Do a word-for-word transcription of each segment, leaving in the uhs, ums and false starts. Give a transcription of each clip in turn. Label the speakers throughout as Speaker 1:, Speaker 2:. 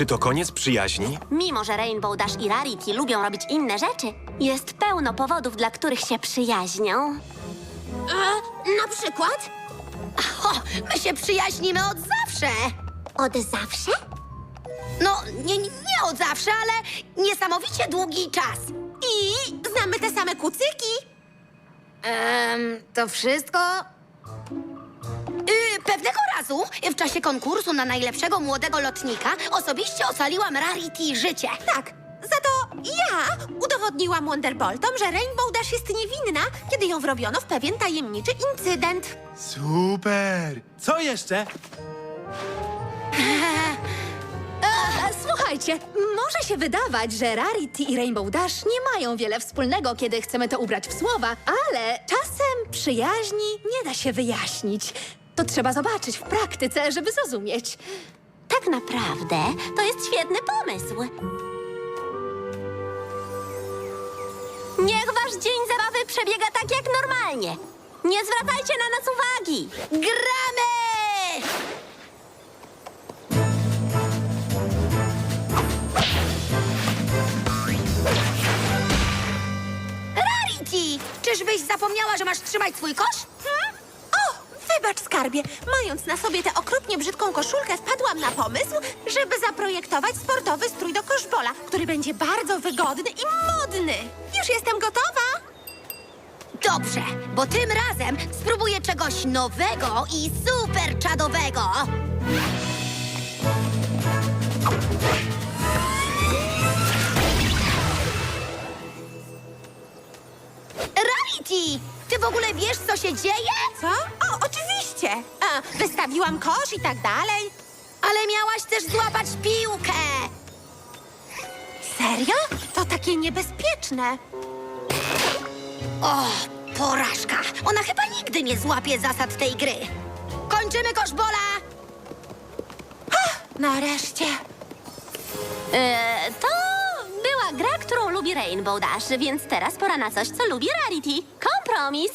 Speaker 1: Czy to koniec przyjaźni?
Speaker 2: Mimo że Rainbow Dash i Rarity lubią robić inne rzeczy, jest pełno powodów, dla których się przyjaźnią.
Speaker 3: Na przykład? O, my się przyjaźnimy od zawsze.
Speaker 2: Od zawsze?
Speaker 3: No, nie, nie od zawsze, ale niesamowicie długi czas.
Speaker 4: I znamy te same kucyki.
Speaker 3: Ehm, to wszystko? Yy, pewnego razu, w czasie konkursu na najlepszego młodego lotnika, osobiście ocaliłam Rarity życie.
Speaker 4: Tak, za to ja udowodniłam Wonderboltom, że Rainbow Dash jest niewinna, kiedy ją wrobiono w pewien tajemniczy incydent.
Speaker 5: Super! Co jeszcze?
Speaker 6: Słuchajcie, może się wydawać, że Rarity i Rainbow Dash nie mają wiele wspólnego, kiedy chcemy to ubrać w słowa, ale czasem przyjaźni nie da się wyjaśnić. To trzeba zobaczyć w praktyce, żeby zrozumieć.
Speaker 2: Tak naprawdę to jest świetny pomysł. Niech wasz dzień zabawy przebiega tak jak normalnie. Nie zwracajcie na nas uwagi.
Speaker 3: Gramy! Rarity! Czyżbyś zapomniała, że masz trzymać swój kosz?
Speaker 4: Hmm? O, wybacz, skarbie. Mając na sobie tę okropnie brzydką koszulkę, wpadłam na pomysł, żeby zaprojektować sportowy strój do koszbola, który będzie bardzo wygodny i modny. Już jestem gotowa.
Speaker 3: Dobrze, bo tym razem spróbuję czegoś nowego i super czadowego. Rarity! Ty w ogóle wiesz, co się dzieje?
Speaker 4: Co? O, oczywiście. A, wystawiłam kosz i tak dalej.
Speaker 3: Ale miałaś też złapać piłkę.
Speaker 4: Serio? To takie niebezpieczne.
Speaker 3: O, porażka. Ona chyba nigdy nie złapie zasad tej gry. Kończymy koszbola.
Speaker 4: Nareszcie.
Speaker 2: E, to była gra, którą lubi Rainbow Dash, więc teraz pora na coś, co lubi Rarity. Kompromis.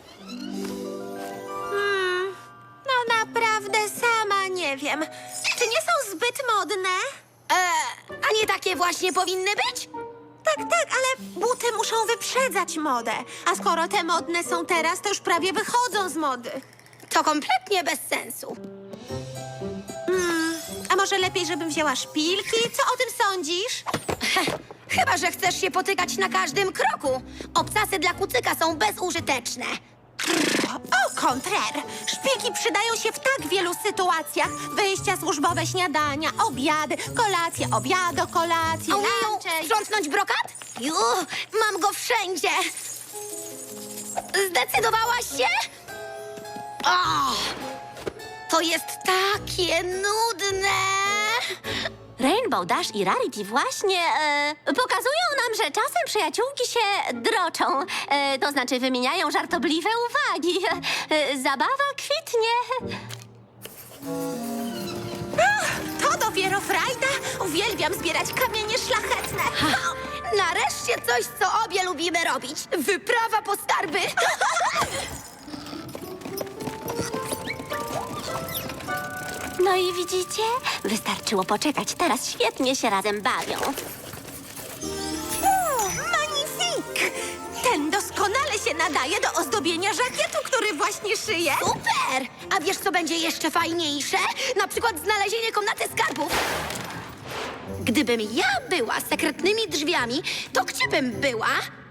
Speaker 4: Hmm, no naprawdę sama nie wiem. Czy nie są zbyt modne?
Speaker 3: E, a nie takie właśnie powinny być?
Speaker 4: Tak, tak, ale buty muszą wyprzedzać modę. A skoro te modne są teraz, to już prawie wychodzą z mody.
Speaker 3: To kompletnie bez sensu.
Speaker 4: Hmm, a może lepiej, żebym wzięła szpilki? Co o tym sądzisz?
Speaker 3: Chyba że chcesz się potykać na każdym kroku. Obcasy dla kucyka są bezużyteczne.
Speaker 4: O, kontrer! Szpilki przydają się w tak wielu sytuacjach. Wyjścia służbowe, śniadania, obiady, kolacje, obiado, kolacje,
Speaker 3: Umieją
Speaker 4: lunche.
Speaker 3: sprzątnąć brokat? Ju, mam go wszędzie. Zdecydowałaś się? O, to jest takie nudne.
Speaker 2: Rainbow Dash i Rarity właśnie e, pokazują nam, że czasem przyjaciółki się droczą. E, to znaczy wymieniają żartobliwe uwagi. E, zabawa kwitnie.
Speaker 4: To dopiero frajda! Uwielbiam zbierać kamienie szlachetne.
Speaker 3: O, nareszcie coś, co obie lubimy robić. Wyprawa po skarby.
Speaker 2: No i widzicie? Wystarczyło poczekać. Teraz świetnie się razem bawią.
Speaker 4: O, magnifik! Ten doskonale się nadaje do ozdobienia żakietu, który właśnie szyję.
Speaker 3: Super! A wiesz, co będzie jeszcze fajniejsze? Na przykład znalezienie komnaty skarbów. Gdybym ja była sekretnymi drzwiami, to gdzie bym była?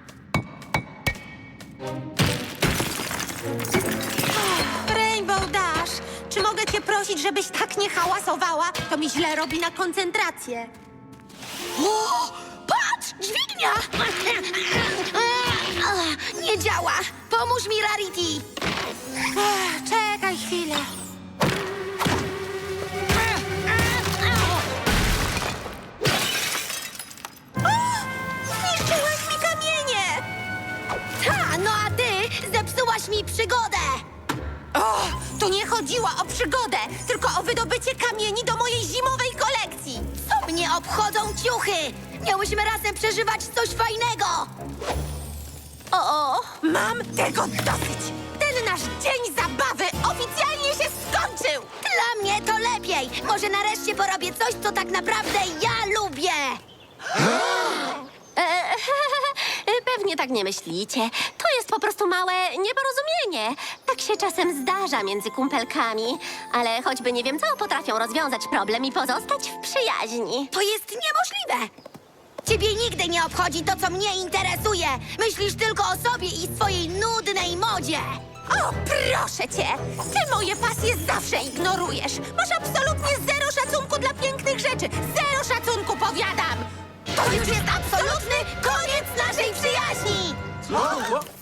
Speaker 4: Rainbow Dash, czy mogę cię prosić, żebyś tak nie hałasowała? To mi źle robi na koncentrację.
Speaker 3: O, patrz! Dźwignia! Nie działa. Pomóż mi, Rarity.
Speaker 4: Ech, czekaj chwilę. O! Zniszczyłaś mi kamienie!
Speaker 3: Ta, no a ty zepsułaś mi przygodę.
Speaker 4: O, tu nie chodziło o przygodę, tylko o wydobycie kamieni do mojej zimowej kolekcji.
Speaker 3: Co mnie obchodzą ciuchy? Miałyśmy razem przeżywać coś fajnego.
Speaker 2: O, o.
Speaker 4: Mam tego dosyć. Ten nasz dzień zabawy oficjalnie się skończył.
Speaker 3: Dla dla mnie to lepiej. Może nareszcie porobię coś, co tak naprawdę ja lubię.
Speaker 2: E, Pewnie tak nie myślicie. To jest po prostu małe nieporozumienie. Tak się czasem zdarza między kumpelkami. Ale choćby nie wiem co, potrafią rozwiązać problem i pozostać w przyjaźni.
Speaker 3: To jest niemożliwe. Ciebie nigdy nie obchodzi to, co mnie interesuje. Myślisz tylko o sobie i swojej nudnej modzie.
Speaker 4: O, proszę cię! Ty moje pasje zawsze ignorujesz. Masz absolutnie zero szacunku dla pięknych rzeczy. Zero szacunku, powiadam!
Speaker 3: To już jest absolutny koniec naszej przyjaźni.
Speaker 5: Co?